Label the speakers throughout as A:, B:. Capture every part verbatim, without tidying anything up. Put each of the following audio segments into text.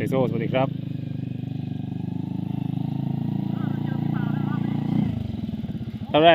A: เตโซสวัสดีครับทำไร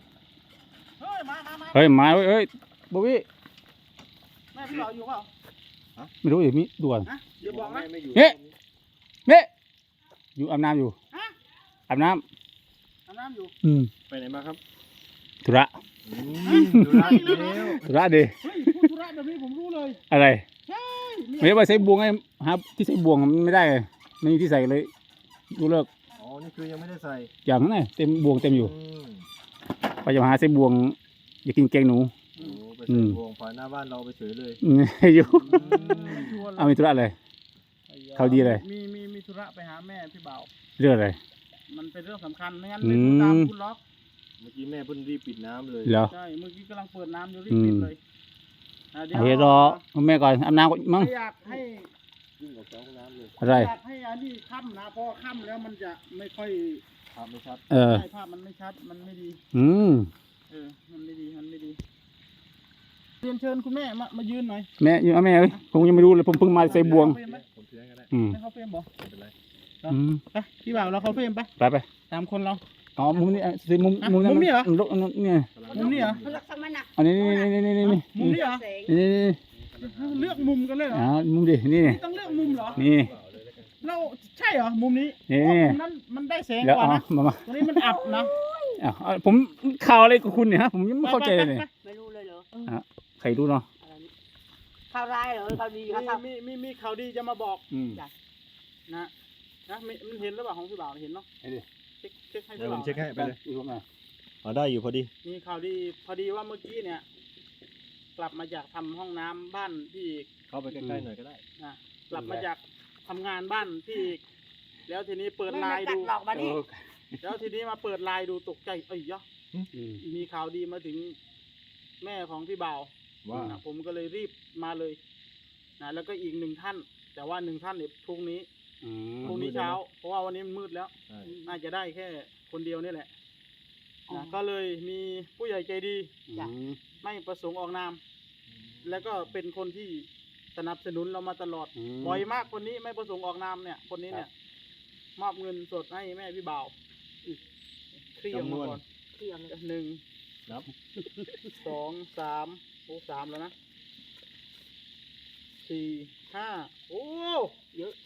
A: เฮ้ยมาเฮ้ยเฮ้ยบ๊อบบี้
B: แม่พี่บอกอยู่เปล่า
A: ไม่รู้อยู่มีด่วน
B: เดี๋ยวบอกนะ
A: เนี่ยเนี่ยอยู่อาบน้ำอยู่อาบน้ำ
B: อาบน้ำอยู่
A: อืม
C: ไปไหนมาครับ
A: ธุระ
C: ธุระอีกแล้ว
A: ธุระดิ
B: เฮ้ยพูดธุระแบบนี้ผมรู้เลย
A: อะไร
B: ใช่
A: ไม่ได้ว่าใส่บวงไงฮะที่ใส่บวงมันไม่ได้ไม่มีที่ใส่เลยดูเลิก
C: อ๋อนี่คือยังไม่ได้ใส่
A: อย่างนั้นไงเต็มบวงเต็มอยู่
C: อืม
A: ไปจะมาหาใส่บวงอยากกินแกงหนู
C: โอ้ไปใส่พวงผ่านหน้าบ้านเราไปเฉยเลย
A: อืมอยู่
B: ไม่ชวนเลย
A: เอามีธุระอะไร เขาดีเลย
B: มีมีมีธุระไปหาแม่พี่บ่าว
A: เรื่องอะไร
B: มันเป็นเรื่องสำคัญไม่งั้น
A: อื
B: ไม่
A: ม
B: พูดตามคุณล็อก
C: เมื่อกี้แม่เพิ่งรีบปิดน้ำเลย
A: เหรอ
B: ใช่เมื่อกี้กำลังเปิดน้ำอยู่รีบปิดเลยอ่ะ
A: เอาเดี๋ยวรอแม่ก่อนอาบน้ำก่อนมั้ง
B: ไม่อยากให้
C: วิ่งออกจากห้องน้ำเลย
A: อะไร
B: อยากให้อันนี้ค่ำนะเพราะค่ำแล้วมันจะไม่ค่อย
C: ภาพไม่ชัด
A: เออ
B: ใช่ภาพมันไม่ชัดมันไม่ดี
A: อืม
B: เออมันไม่ดีมันไม่ดีเรียนเชิญคุณแม่มามายืนหน่อย
A: แม่อยู่เอาแม่เอ้ยผมยังไม่รู้เลยผมเพิ่งมาใส่บวง
C: ผมเชื่อก็ได้
A: อืม
B: ให้เขาเฟรมบอก
C: ไม่เป็นไร
A: อืม
B: ไปพี่บ่าวเราเขาเฟรมไป
A: ไปไป
B: ตามคนเรา
A: อ๋อมุมนี้อ่ะสิมุม
B: อ่ะ
A: มุม
B: มุมนี้เหรอ
A: ลกเนี่ย
B: มุมนี้เหรอ
D: ลักษณะหนัก
A: อันนี้นี่นี่นี่นี่นี่
B: มุมนี้เหรอ
A: นี่นี่นี่
B: เลือกมุมกันเลยเหรอ
A: อ๋อมุมดินี่
B: นี่ต้องเลือกมุมเหรอ
A: นี่
B: เราใช่เหรอมุมนี้
A: นี่
B: โอ้มุมนั้นมันได้แสง
A: แล้ว
B: กว่า
A: เอา
B: นะ
A: มามา
B: ตรงนี้มันอับนะ
A: เอาเอาผมข่าวอะไรกับคุณเนี่ยฮะผมยังไม่เข้าใจเลยเนี่ย
D: ไม่รู้เลยเหรอ
A: ใครรู้เนาะ
D: อะไรนี่ข่าวร้ายเหรอข่าวดีครับข่าว
B: มีมีมีข่าวดีจะมาบอก
A: อืม
B: นะนะมีมันเห็นหรือเปล่าของพี่บ่าวเห็นเนาะ
A: ไอ้ดิ
B: เช็คเช็คให้
C: เดี๋
B: พี่
C: ยวผ
B: บ่าม ว
C: เช็คให้ไปเลย
A: อีกรูปหน่อย
C: อ๋อได้อยู่พอดี
B: มีข่าวดีพอดีว่าเมื่อกี้เนี่ย กลับมาจากทำห้องน้ำบ้านพี่อีก
C: เข้าไปใกล้ๆหน่อยก็ได้
B: นะกลับมาจากทำงานบ้านพี่อีกแล้วทีนี้เปิด
D: ไม่
B: ไล
D: มา
B: น์
D: กั
B: ดู
D: ดหลอกมา
A: เอ
D: ดิ
A: อ
B: แล้วทีนี้มาเปิดไลน์ดูตกใจเอ้ยยะ
A: อืม
B: มีข่าวดีมาถึงแม่ของพี่บ่าว
C: ว่า
B: นะผมก็เลยรีบมาเลยนะแล้วก็อีกหนึ่งท่าน แต่ว่าหนึ่งท่านเนี่ยพรุ่งนี้
A: อืม
B: พรุ่งนี้เช้า เพราะว่าวันนี้มันมืดแล้ว
C: ใช่
B: น่าจะได้แค่คนเดียวนี่แหละนะก็เลยมีผู้ใหญ่ใจดี
A: อืม
B: ไม่ประสงค์ออกนาม แล้วก็เป็นคนที่สนับสนุนเรามาตลอด
A: ม
B: บ่อยมากคนนี้ไม่ประสงค์ออกนามเนี่ย คนนี้เนี่ยมอบเงินสดให้แม่พี่บ่าวเคลียร์มาก่อน
D: เที่ยงเลย
B: หนึ่ง
C: นับ
B: สองสามโอ้สามแล้วนะสี่ห้าโอ้เยอะ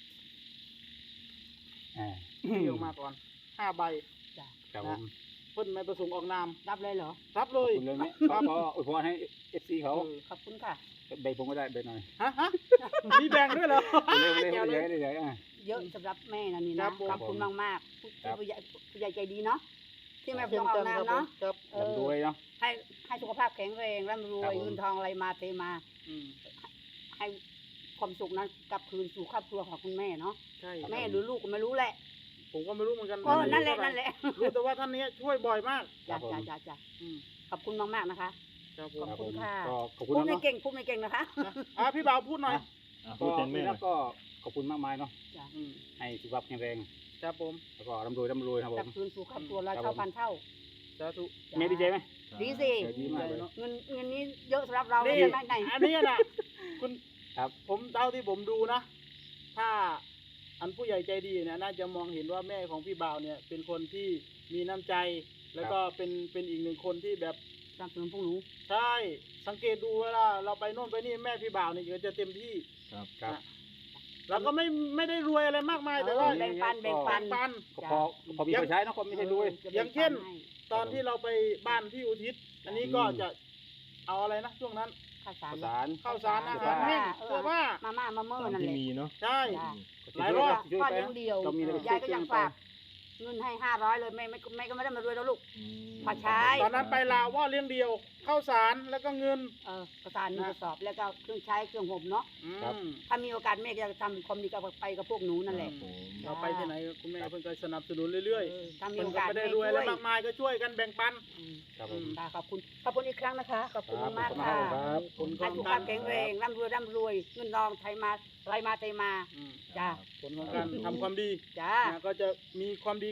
A: อ่า
B: เคลียร์มาก่อนห้าใบ
A: ครับผม
B: เพิ่นไม่ประสงค์ออกนาม
D: รับเลยเหรอ
B: รับเล
A: ขอบ
B: ย
A: คุณเลยไหมก็อวยพรให้เอฟซีเขา
B: เออ
D: ขอบคุณค่ะ
A: ใบผมก็ได้ใบหน่อย
B: ฮะฮะมีแบ่งด้วยเหรอ
A: เร็วเร็วเร็วเร็วเร็วอ่ะ
D: เยอะสำหรับแม่นะนี่
B: ครั
D: นะ
B: บผม
D: ขอบคุณมากมากๆผู้
A: ครับ
D: ผู้ใหญ่ผู้ใหญ่ใจดีเนาะที่แม่
B: เช่
D: ต้
B: น
D: องเอา
B: กันครับผม
D: น้ำเนาะ
B: ครับ
D: เอ
A: ลำร
D: อ
A: วยเนาะ
D: ให้ให้สุขภาพแข็งแรงร่ำรว
A: ครับ
D: ย
A: ผม
D: เงินทองอะไรมาเทมา
B: อืม
D: ให้ความสุขนั้นกลับคืนสู่ครอบครัวของคุณแม่เนาะ
B: ใช่
D: แม่หรือลูกก็ไม่รู้แหละ
B: ผมก็ไม่รู้เหมือนกัน
D: เออนั่นแหละนั่นแหละ
B: รู้แต่ว่าท่านนี้ช่วยบ่อยมาก
D: จ้าจ้าจ้าจ้า
B: อืม
D: ขอบคุณมากมากๆนะคะ
B: ครับผม
D: ขอบคุณค่ะ
A: ก็ขอบคุณ
D: พูดไม่
A: เนาะ
D: เก่งพูดไม่เก่งนะคะ
B: นะอ่ะพี่บ่าวพูดหน่อย
C: อ่ะ
A: ก็
C: พูดแทนแม่หน่
A: แล้
C: อ
A: วย ก็ขอบคุณมากมายเนาะ
D: จ้า
B: อืม
A: ให้สุขภาพแข็งแรง
B: ครับผม
A: แล้วก็ร่ำรวยร่ำรวยครับผ
D: กลับ
A: ม
D: คืนสู่ครอบครัวเรา
A: ครับ
D: เท่า
A: ผม
D: พันเท่า
B: สาธุ
D: จ้า
A: แม่ดีใจไหม
D: ดีสิ
A: เออดีมากเลย
D: เงินเงินนี้เยอะสำหรับเรา
B: นี่
D: เลยไหมไง
B: อันนี้นะคุณ
A: ครับ
B: ผมเท่าที่ผมดูนะ ถ้าอันผู้ใหญ่ใจดีเนี่ยน่าจะมองเห็นว่าแม่ของพี่บ่าวเนี่ย เป็นคนที่มีน้ำใจ แล้วก็เป็นเป็นอีกหนึ่งคนที่แบบ
D: สนับสนุนพวกหนู
B: ใช่สังเกตดูเวลาเราไปโน่นไปนี่แม่พี่บ่าวเนี่ยก็จะเต็มที่
C: ครับ
A: ครับ
B: นะเราก็ไม่ไม่ได้รวยอะไรมากมายแต่ว่า
D: แบ่งปันแบ่งปัน
B: ปัน
A: ก็พอพอมีคนใช้เนาะก็ไม่ใช่รวย
B: อย่างเช่น ตอนที่เราไปบ้านพี่อุทิศ อันนี้ก็จะเอาอะไรนะช่วงนั้น
D: ข้าวสาร
A: ข้าวสาร
B: ข้าวสารอาหารแห้งเสื้อผ้า
D: มาม่ามาเมื่อ
C: ตาม
D: นั่น
C: ที่
D: แหละ
C: มีเนาะ
B: ใช่
D: จ้า
B: หลายรอบ
A: ช่วย
D: พ่อ
A: ไป
D: เลี้ยง
A: นะ
D: เดียว
A: ก็มีอะไร
D: ยายก็อยากฝากเงินให้ห้าร้อยเลยแม่ไม่ไม่ก็ไม่ได้มารวยแล้วลูก
C: อืม
D: พอใช้
B: ตอนนั้นไปลาวว่าเลี้ยงเดียวข้าวสารแล้วก็เงิน
D: เออกระสานหนึ่งกระสอบแล้วก็เครื่องใช้เครื่องห่มเนาะ
B: อืม
D: ถ้ามีโอกาสแม่ก็จะทำความดีกับไปกับพวกหนูนั่นแหละ
C: ครับผม
B: เราไปที่ไหนคุณแม่เพิ่งก็สนับสนุนเรื่อย
D: เออถ้า
B: ๆ
D: มี
B: เพิ่ง
D: โอ
B: ก็
D: กาส
B: ไม่ได้
D: แม่
B: รวย
D: ช่
B: อะไร
D: วย
B: มากมายก็ช่วยกันแบ่งปัน
D: อืม
A: ครับผม
D: ค่ะขอบคุณขอบคุณอีกครั้งนะคะขอบคุณมากๆ
A: ครั
D: ค่ะ
A: บผม
B: ผลข
D: ให้
B: อง
D: สุข
B: กา
D: ภาร พแข็งแรงร่ำรวยร่ำรวยเงินทองไทยมาไหลมาเทมา
B: อืม
D: จ้า
B: ผลของการทำความดี
D: จ้า
B: นะก็จะมีความดี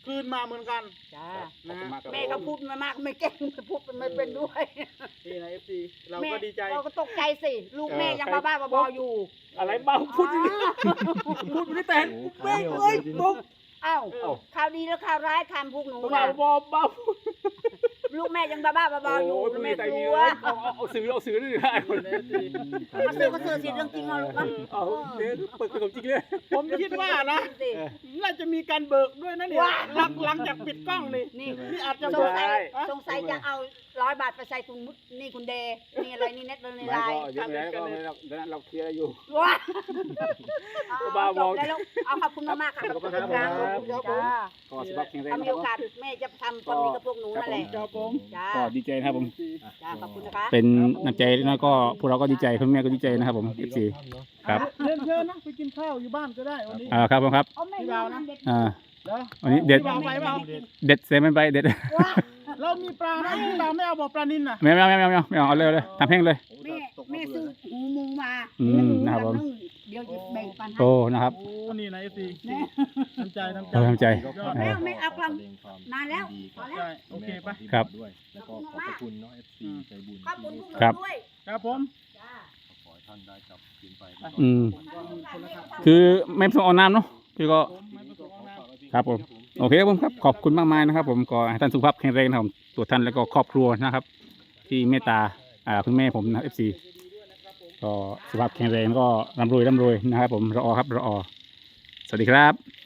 B: คืนมาเหมือนกัน
D: จ้า
A: ขอบคุณมากครับ
D: แม่ก็พูดมามากไม่เก่งพูดไม่เป็นด้วย
B: นี่นะเอฟซีเรา
D: แม่
B: ก็ดีใจ
D: เราก็ตกใจสิลูกแม่ยังบ้าๆบอๆอยู่
A: อะไรบ้าพูดอย่างนี้พูดไม่ได้แต่
C: โอ้
A: แม่
C: ขายไม่ออก
A: เอ้ย
C: เลยทีนี้
A: ปุ๊บ
D: เอ้า
B: เอ้า
D: ข่าวดีแล้วข่าวร้ายคำพวกหนู
A: บ้า
D: นะ
A: บอบ้า
D: ลูกแม่ยังบ้าๆบอๆอยู่
A: โอ้ย
D: แม่
A: ใจ
D: ก
A: มี
D: ลัว
A: เลยเอาเอาเอาซื้อเอาซื้อนี่ได้
B: นี่นะเอฟซี
D: เอาซื้อก็ซื้อสิเรื่องจริงเอาลูกนะ
A: เอาเดี๋ยวเปิดขนมจริงเลย
B: ผมคิดว่านะ
D: สิ
B: น่าจะมีการเบิกด้วยนะเนี่ย
D: ว้า
B: หลังหลังจากปิดกล้องนี่
D: นี่
B: นี่อาจจะ
D: ส
B: เบิ
D: ง
B: ก
D: สัย
B: ฮะ
D: สงสัยจะเอาร้อยบาทไปใส่ถุงมุดนี่คุณเดย์นี่อะไรนี่เน็ตใน
A: ไม่
D: ไล
A: ก็
D: น์
A: เดี๋ยวแล้วก็เราเดี๋ยวนั้นเราเคลียร์อยู่
D: ว้า
A: บ้า
D: เอา
A: บอ
D: จบแล้วลูกเอาขอบคุณมากๆค่ะขอบคุณครับ
A: ครับ
D: จ้า
A: ก็สุขภาพแข็งแรง
D: ถ้า
A: นะ
D: มี
A: ค
D: โอ
A: รับ
D: กาสแม่จะทำความดีกับพวกหนูนั่นแหละ
B: ครับผม
D: จ้า
A: ก็ดีใจนะครับผม
D: จ้าขอบคุณนะคะ
A: เป็นน้ำใจแล้วก็พวกเราก็ดีใจคุณแม่ก็ดีใจนะครับผม เอฟ ซี ครับ
B: เชิญเชิญนะไปกินข้าวอยู่บ้านก็ได้วันนี้
A: อ่าครับผมครับ
D: เอาแม่
B: พี่บ่าวนะ
D: เด็ด
A: อ่า
B: เด้อ
A: วันนี้เด็ด
B: พี่บ่าวไปเปล่า
A: เด็ดเซมไปเด็ด
D: ว้า
B: เรามีปลานะพี่บ่าวไม่เอาบอกปลานินนะ
A: ไม่ไม่ไม่ไม่ไม่ไม่เอาเอาเลยเอาเลยทำแห้งเลย
D: แม่แม่ซื้อหูหมูมา
A: อืมนะครับผม
D: เดี๋ยวหยิบแบ่งปันให้
A: โอ้นะครับ
B: โอ้นี่นะเอฟซี
D: แม่
B: น้ำใจน้ำใจ
A: เออน้ำใจ
B: ยอด
D: แม่ไม่เอากลังนานแล้วพอแล้ว
B: ใช่โอเคปะ
A: ครับ
C: ด้วยแล้วก็ขอบพระคุณเนาะ เอฟ ซี ใจบุญ
D: ขอบคุณพวกหนู
A: ครับ
D: ด้วย
B: ครับผม
D: จ้า
C: ขอให้ท่านได้กลับคืนไป
A: อืม
B: คนละครับ
A: คือไม่ประสงค์เอาน้ำเนาะพี่ก็
B: ผมไม่ประสงค์เอาน้ำ
A: ครับผมโอเคครับผมครับขอบคุณมากมายนะครับ ผมก็ให้ท่านสุขภาพแข็งแรงนะครับผมตัวท่านแล้วก็ครอบครัวนะครับ ที่เมตตาอ่าคุณแม่ผมนะเอฟซีก็สุขภาพแข็งแรงแล้วก็ร่ำรวยร่ำรวยนะครับ ผมรอครับรอสวัสดีครับ